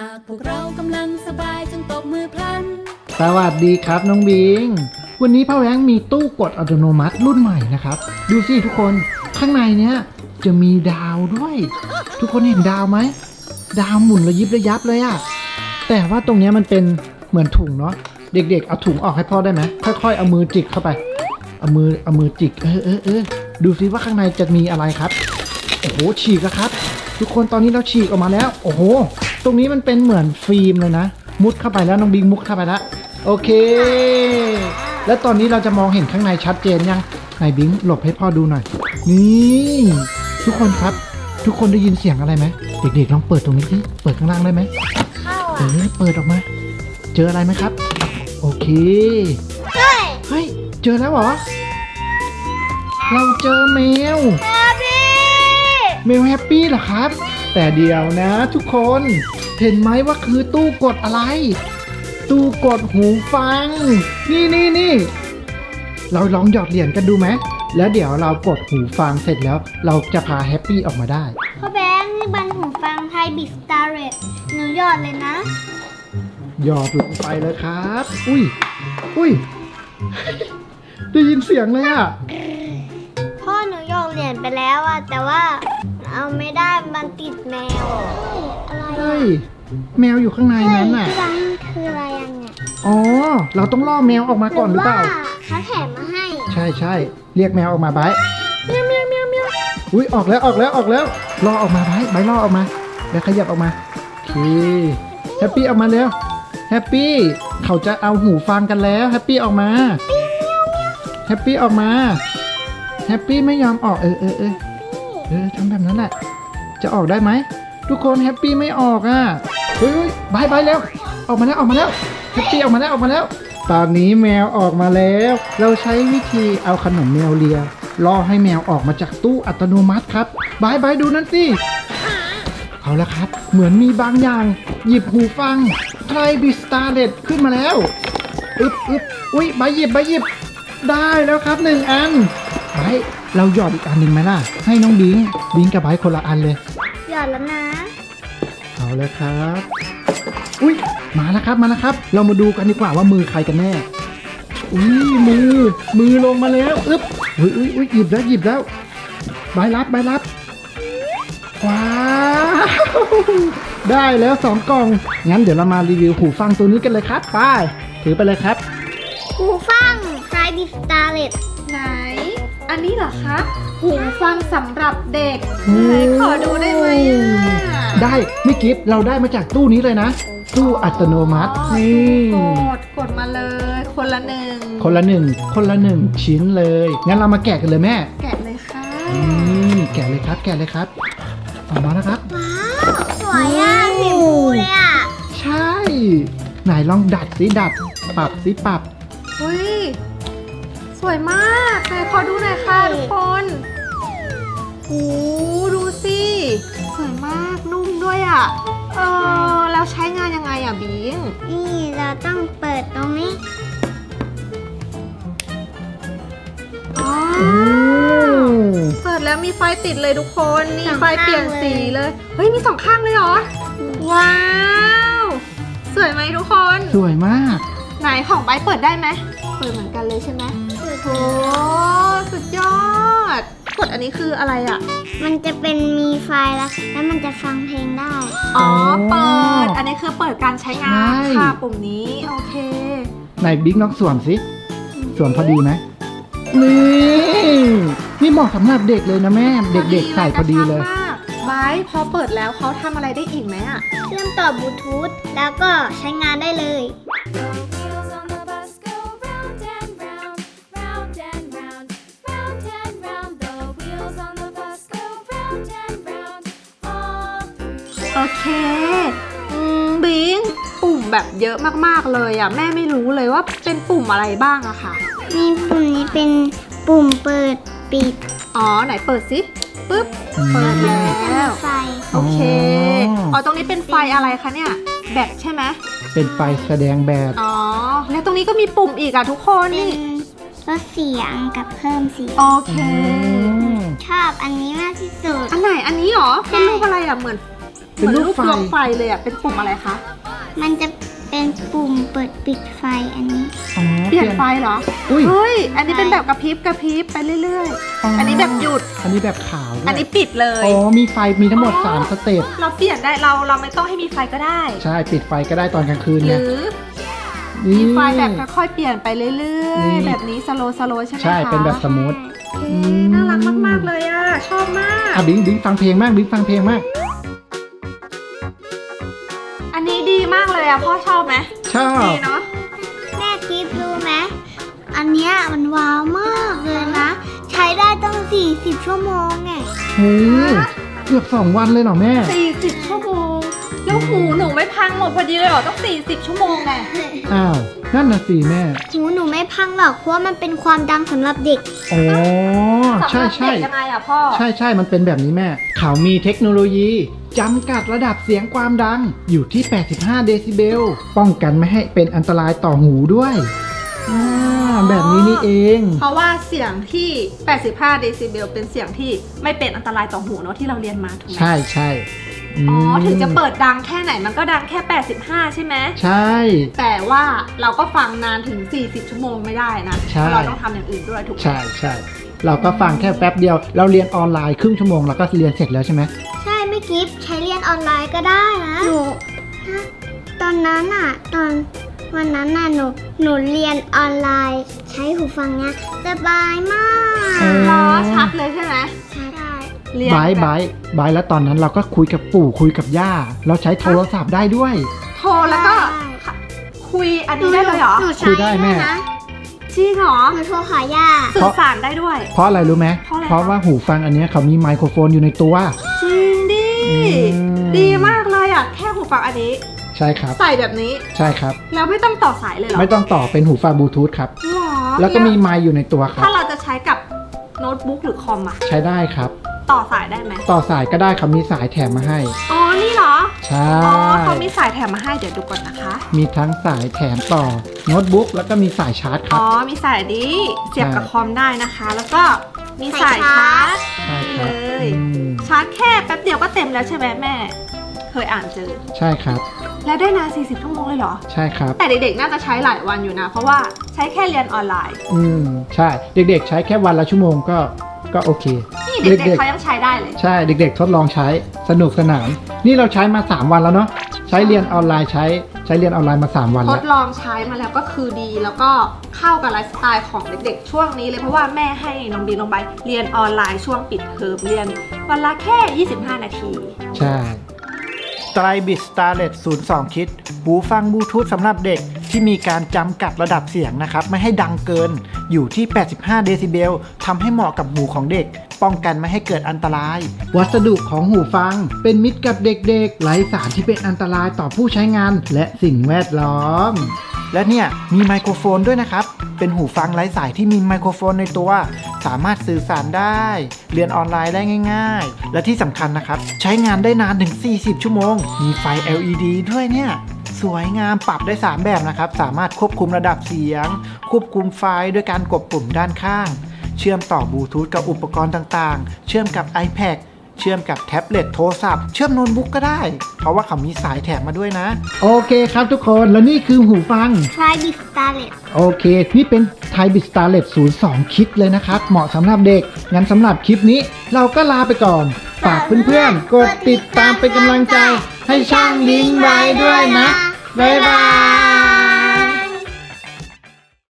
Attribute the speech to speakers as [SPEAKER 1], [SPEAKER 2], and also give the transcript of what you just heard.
[SPEAKER 1] ากพวกเรากำลังสบายจงตบมือพลัน
[SPEAKER 2] สวัสดีครับน้องบิงวันนี้พ่อแบงค์มีตู้กดอัตโนมัติรุ่นใหม่นะครับดูสิทุกคนข้างในเนี้ยจะมีดาวด้วย ทุกคนเห็นดาวไหมดาวหมุนระยิบระยับเลยอะแต่ว่าตรงเนี้ยมันเป็นเหมือนถุงเนาะเด็กๆเอาถุงออกให้พ่อได้ไหมค่อยๆเอามือจิกเข้าไปเอามือจิกดูสิว่าข้างในจะมีอะไรครับโอ้โหฉีกแล้วครับทุกคนตอนนี้เราฉีกออกมาแล้วโอ้โหตรงนี้มันเป็นเหมือนฟิล์มเลยนะมุดเข้าไปแล้วน้องบิงมุดเข้าไปแล้วโอเคแล้วตอนนี้เราจะมองเห็นข้างในชัดเจนยังไหนบิงหลบให้พ่อดูหน่อยนี่ทุกคนครับทุกคนได้ยินเสียงอะไรไหมเด็กๆลองเปิดตรงนี้สิเปิดข้างล่างได้ไหมเปิดออกมาเจออะไรไหมครับโอเคเฮ้ยเจอแล้วเหรอเราเจอแมวแมวแฮปปี้เหรอครับแต่เดี๋ยวนะทุกคนเห็นไหมว่าคือตู้กดอะไรตู้กดหูฟังนี่เราลองหยอดเหรียญกันดูไหมแล้วเดี๋ยวเรากดหูฟังเสร็จแล้วเราจะพาแฮปปี้ออกมาได้
[SPEAKER 3] พ่อแบงค์นี่บันหูฟังไทยบิสตาร์เรตหนูหยอดเลยนะ
[SPEAKER 2] หยอดลงไปเลยครับอุ้ย ได้ยินเสียงเลยอ่ะ
[SPEAKER 3] พ่อหนูหยอดเหรียญไปแล้วอะแต่ว่าเอาไม่ได้มันติดแมวอะไร
[SPEAKER 2] เฮ้ยแมวอยู่ข้างในนั้นน่ะ
[SPEAKER 3] ที่ร้านคืออะไรเนี่ย
[SPEAKER 2] อ๋อเราต้องล่อแมวออกมาก่อนหรือเปล่า
[SPEAKER 3] เขาแถมมาให้
[SPEAKER 2] ใช่เรียกแมวออกมาไบเมียวอุ้ยออกแล้วล่อออกมาไบล่อออกมาแล้วขยับออกมาโอเคแฮปปี้ออกมาแล้วแฮปปี้เขาจะเอาหูฟังกันแล้วแฮปปี้ออกมาแฮปปี้ออกมาแฮปปี้ไม่ยอมออกทำแบบนั้นแหละจะออกได้ไหมทุกคนแฮปปี้ไม่ออกอ่ะเฮ้ยบายแล้วออกมาแล้วแฮปปี้ออกมาแล้วตอนนี้แมวออกมาแล้วเราใช้วิธีเอาขนมแมวเลียล่อให้แมวออกมาจากตู้อัตโนมัติครับบายดูนั่นสิเอาละครับเหมือนมีบางอย่างหยิบหูฟังไทรบิสตาร์เด็ดขึ้นมาแล้วอุ้ยบายหยิบได้แล้วครับ1 อันบายเราหยอดอีกอันหนึ่งไหมล่ะให้น้องบิงกับบายคนละอันเลย
[SPEAKER 3] หยอดแล้วนะ
[SPEAKER 2] เอาเลยครับอุ้ยมาแล้วครับเรามาดูกันดีกว่าว่ามือใครกันแน่อุ้ยมือลงมาแล้วอุ้ยหยิบแล้วบายรับว้าวได้แล้ว2 กล่องงั้นเดี๋ยวเรามารีวิวหูฟังตัวนี้กันเลยครับไปถือไปเลยครับ
[SPEAKER 3] หูฟังไทยบิสตาร์เรต
[SPEAKER 4] ไหนอันนี้เหรอคะหูฟังสำหรับเด็กไหนขอดูได้ไหม
[SPEAKER 2] ได้ไม่กิฟเราได้มาจากตู้นี้เลยนะตู้อัตโนมัตินี่
[SPEAKER 4] กดมาเลยคนละหนึ่ง
[SPEAKER 2] ชิ้นเลยงั้นเรามาแกะกันเลยแม่
[SPEAKER 4] แกะเลยค่ะ
[SPEAKER 2] แกะเลยครับออกมาแล้วครับ
[SPEAKER 3] ว้าวสวยอ่ะสีชมพูเลยอ่ะ
[SPEAKER 2] ใช่ไหนลองดัดปรับ
[SPEAKER 4] อุ้ยสวยมากไหนขอดูหน่อยค่ะทุกคนโอ้ดูสิสวยมากนุ่มด้วยอ่ะแล้วใช้งานยังไงอ่ะบิง
[SPEAKER 3] นี่เราต้องเปิดตรงนี้
[SPEAKER 4] เปิดแล้วมีไฟติดเลยทุกคนนี่ไฟเปลี่ยนสีเลยเฮ้ยมี2 ข้างเลยเหรอว้าวสวยไหมทุกคน
[SPEAKER 2] สวยมาก
[SPEAKER 4] ไหนของไบเปิดได้ไหมเปิดเหมือนกันเลยใช่ไหมโอ้สุดยอดกดอันนี้คืออะไรอ่ะ
[SPEAKER 3] มันจะเป็นมีไฟแล้วมันจะฟังเพลงได้
[SPEAKER 4] อ๋อเปิดอันนี้คือเปิดการใช้งานค่ะปุ่มนี้โอเค
[SPEAKER 2] ไหนบิ๊กน้องสวมสิสวมพอดีไหมนี่เหมาะสำหรับเด็กเลยนะแม่เด็กๆใส่พอดีเลย
[SPEAKER 4] ไบพอเปิดแล้วเขาทำอะไรได้อีกไหมอ่ะ
[SPEAKER 3] เชื่อมต่อบลูทูธแล้วก็ใช้งานได้เลย
[SPEAKER 4] โอเคบิงปุ่มแบบเยอะมากๆเลยอ่ะแม่ไม่รู้เลยว่าเป็นปุ่มอะไรบ้างอะค่ะ
[SPEAKER 3] นี่ปุ่มนี้เป็นปุ่มเปิดปิด
[SPEAKER 4] อ๋อไหนเปิดสิปึ๊บเปิดแล้ว
[SPEAKER 3] ไฟ
[SPEAKER 4] โอเคตรงนี้เป็นไฟอะไรคะเนี่ยแบตใช่ไหม
[SPEAKER 2] เป็นไฟแสดงแบต
[SPEAKER 4] อ๋อแล้วตรงนี้ก็มีปุ่มอีกอะทุกคนนี่
[SPEAKER 3] ลดเสียงกับเพิ่มเสียง
[SPEAKER 4] โอเค
[SPEAKER 3] ชอบอันนี้มากที่สุด
[SPEAKER 4] อันไหนอันนี้หรอเป็นรูปอะไรอะเหมือน
[SPEAKER 2] เป็นรูปไฟ
[SPEAKER 4] ดวงไฟเลยอ่ะเป็นปุ่มอะไรคะ
[SPEAKER 3] มันจะเป็นปุ่มเปิดปิดไฟอันนี้
[SPEAKER 2] อ๋อ
[SPEAKER 4] เปลี่ยนไฟเหรอ
[SPEAKER 2] อุ้ย
[SPEAKER 4] เฮ้ยอันนี้เป็นแบบกระพริบไปเรื่อยๆ อันนี้แบบหยุด
[SPEAKER 2] อันนี้แบบขาวด้วย
[SPEAKER 4] อันนี้ปิดเลย
[SPEAKER 2] อ๋อมีไฟมีทั้งหมด3สเต็ป
[SPEAKER 4] เราเปลี่ยนได้เราไม่ต้องให้มีไฟก็ได้
[SPEAKER 2] ใช่ปิดไฟก็ได้ตอนกลางคืน
[SPEAKER 4] ห
[SPEAKER 2] ไง
[SPEAKER 4] รือ
[SPEAKER 2] นี่
[SPEAKER 4] มีไฟแบบค่อยๆเปลี่ยนไปเรื่อย
[SPEAKER 2] นี่
[SPEAKER 4] ๆ แบบนี้สโลใช่ไหมคะ
[SPEAKER 2] ใช่เป็นแบบสมูท
[SPEAKER 4] โอเคน่ารักมากๆเลยอ่ะชอบมาก
[SPEAKER 2] อ่ะบิงฟังเพลงมากบิงฟังเพลงมาก
[SPEAKER 4] อันนี้ดีมากเลยอ่ะพ่อชอบไหม
[SPEAKER 2] ชอบ
[SPEAKER 4] ดีเนาะ
[SPEAKER 3] แม่กิฟรู้ไหมอันเนี้ยมันว้าวมากเลยนะ ใช้ได้ตั้ง40 ชั่วโมงไง
[SPEAKER 2] โหเกือบ2 วันเลยเหรอแม่
[SPEAKER 4] 40 ชั่วโมงแล้วหูหนูไม่พังหมดพอดีเลยเหรอต้อง40 ชั่วโมงไง
[SPEAKER 2] อ้าวนั่นน่ะสิแม่
[SPEAKER 3] หูหนูไม่พังหรอกเพราะว่ามันเป็นความดังสำหรับเด็ก
[SPEAKER 2] อ๋อใช่
[SPEAKER 4] สำหรับเด็กยังไงอ่ะพ่อ
[SPEAKER 2] ใช่มันเป็นแบบนี้แม่เขามีเทคโนโลยีจำกัดระดับเสียงความดังอยู่ที่85เดซิเบลป้องกันไม่ให้เป็นอันตรายต่อหูด้วยแบบนี้นี่เอง
[SPEAKER 4] เพราะว่าเสียงที่ 85 เดซิเบลเป็นเสียงที่ไม่เป็นอันตรายต่อหูเนาะที่เราเรียนมาถูกไหม
[SPEAKER 2] ใช่ม
[SPEAKER 4] อ๋อ ถึงจะเปิดดังแค่ไหนมันก็ดังแค่ 85 ใช่ไหม
[SPEAKER 2] ใช่
[SPEAKER 4] แต่ว่าเราก็ฟังนานถึง 40 ชั่วโมงไม่ได้นะ
[SPEAKER 2] ใช่
[SPEAKER 4] เพราะเราต้องทำอย่างอื่นด้วยถูกไหม
[SPEAKER 2] ใช่เราก็ฟังแค่แป๊บเดียว เราเรียนออนไลน์ครึ่งชั่วโมงเราก็เรียนเสร็จแล้วใช่ไหม
[SPEAKER 3] ใช่ไม่กิฟใช้เรียนออนไลน์ก็ได้นะตอนนั้นอ่ะวันนั้นน่ะหนูเรียนออนไลน์ ใช้หูฟังเนี้ยสบายมาก
[SPEAKER 4] ล้อชัดเลยใช่ไหม
[SPEAKER 3] ใช่ได้
[SPEAKER 4] เรียน
[SPEAKER 2] บายแล้วตอนนั้นเราก็คุยกับปู่คุยกับย่า เราใช้โทรศัพท์ได้ด้วย
[SPEAKER 4] โทรแล้วก็คุยอันนี้ได้เลยเหรอ
[SPEAKER 3] หนู
[SPEAKER 2] คุ
[SPEAKER 3] ใช้
[SPEAKER 2] ยได้แม่
[SPEAKER 3] นะ
[SPEAKER 4] จริงเหรอ
[SPEAKER 3] หนูโทรหาย่า
[SPEAKER 4] สื่อสารได้ด้วย
[SPEAKER 2] เพราะอะไรรู้ไหม
[SPEAKER 4] เพราะอะไร
[SPEAKER 2] เพราะว่าหูฟังอันเนี้ยเขามีไมโครโฟนอยู่ในตัว
[SPEAKER 4] จริงดิ
[SPEAKER 2] ม
[SPEAKER 4] ดีมากเลยอ่ะ แค่หูฟังอันนี้
[SPEAKER 2] ใช่ครับ
[SPEAKER 4] ใส่แบบนี้
[SPEAKER 2] ใช่ครับ
[SPEAKER 4] แล้วไม่ต้องต่อสายเลยเหรอ
[SPEAKER 2] ไม่ต้องต่อเป็นหูฟังบลูทูธครับ
[SPEAKER 4] หรอ
[SPEAKER 2] แล้วก็มีไมค์อยู่ในตัวครั
[SPEAKER 4] ถ้า
[SPEAKER 2] บ
[SPEAKER 4] เราจะใช้กับโน้ตบุ๊กหรือคอมอ่ะ
[SPEAKER 2] ใช้ได้ครับ
[SPEAKER 4] ต่อสายได้ไหม
[SPEAKER 2] ต่อสายก็ได้ครับมีสายแถมมาให้
[SPEAKER 4] อ๋อ นี่เหรอ
[SPEAKER 2] ใช่
[SPEAKER 4] อ๋อเขามีสายแถมมาให้เดี๋ยวดูก่อนนะคะ
[SPEAKER 2] มีทั้งสายแถมต่อโน้ตบุ๊กแล้วก็มีสายชาร์จค
[SPEAKER 4] อ๋
[SPEAKER 2] รั
[SPEAKER 4] อ
[SPEAKER 2] บ
[SPEAKER 4] มีสายนี้เสียบกับ
[SPEAKER 2] ใช่
[SPEAKER 4] คอมได้นะคะ แล้วก็มีสายชาร์จ
[SPEAKER 2] ใช่ค
[SPEAKER 4] เล
[SPEAKER 2] รับ
[SPEAKER 4] ย
[SPEAKER 2] อืม
[SPEAKER 4] ชาร์จแค่แป๊บเดียวก็เต็มแล้วใช่ไหมแม่ เคยอ่านเจอ
[SPEAKER 2] ใช่ครับ
[SPEAKER 4] แล้วได้นาน40 ชั่วโมงเลยเหรอ
[SPEAKER 2] ใช่ครับ
[SPEAKER 4] แต่เด็กๆ น่าจะใช้หลายวันอยู่นะ เพราะว่าใช้แค่เรียนออนไลน์
[SPEAKER 2] ใช่เด็กๆใช้แค่วันละชั่วโมงก็โอเค
[SPEAKER 4] นี่เด็กๆเขายังใช้ได้เลย
[SPEAKER 2] ใช่เด็กๆทดลองใช้สนุกสนานนี่เราใช้มา3 วันแล้วเนาะใช้เรียนออนไลน์ใช้เรียนออนไลน์มา3 วัน
[SPEAKER 4] ท
[SPEAKER 2] แล้ว
[SPEAKER 4] ดลองใช้มาแล้วก็คือดีแล้วก็เข้ากับไลฟ์สไตล์ของเด็กๆ ช่วงนี้เลยเพราะว่าแม่ให้น้องบีน้องใบเรียนออนไลน์ช่วงปิดเทอมเรียนวันละแค่ 25 นาที
[SPEAKER 2] ใช่ไตรบิสตาร์เลต02 คิดหูฟังบลูทูธสำหรับเด็กที่มีการจำกัดระดับเสียงนะครับไม่ให้ดังเกินอยู่ที่85เดซิเบลทำให้เหมาะกับหูของเด็กป้องกันไม่ให้เกิดอันตราย วัสดุของหูฟังเป็นมิตรกับเด็กๆไร้สารที่เป็นอันตรายต่อผู้ใช้งานและสิ่งแวดล้อม และเนี่ยมีไมโครโฟนด้วยนะครับเป็นหูฟังไร้สายที่มีไมโครโฟนในตัวสามารถสื่อสารได้เรียนออนไลน์ได้ง่ายๆและที่สำคัญนะครับใช้งานได้นานถึง40 ชั่วโมงมีไฟ LED ด้วยเนี่ยสวยงามปรับได้ 3 แบบนะครับสามารถควบคุมระดับเสียงควบคุมไฟด้วยการกดปุ่มด้านข้างเชื่อมต่อบลูทูธกับอุปกรณ์ต่างๆเชื่อมกับ iPad เชื่อมกับแท็บเล็ตโทรศัพท์เชื่อมโน้ตบุ๊กก็ได้เพราะว่าเขามีสายแถมมาด้วยนะโอเคครับทุกคนและนี่คือหูฟัง
[SPEAKER 3] ไทรบิสตาร์เลต
[SPEAKER 2] โอเคนี่เป็นไทยบิสตาร์เลต02 คิดเลยนะครับเหมาะสำหรับเด็กงั้นสำหรับคลิปนี้เราก็ลาไปก่อนฝากเพื่อนๆกดติดตามเป็นกำลังใจให้ช่างลิงไว้ด้วยนะบ๊ายบาย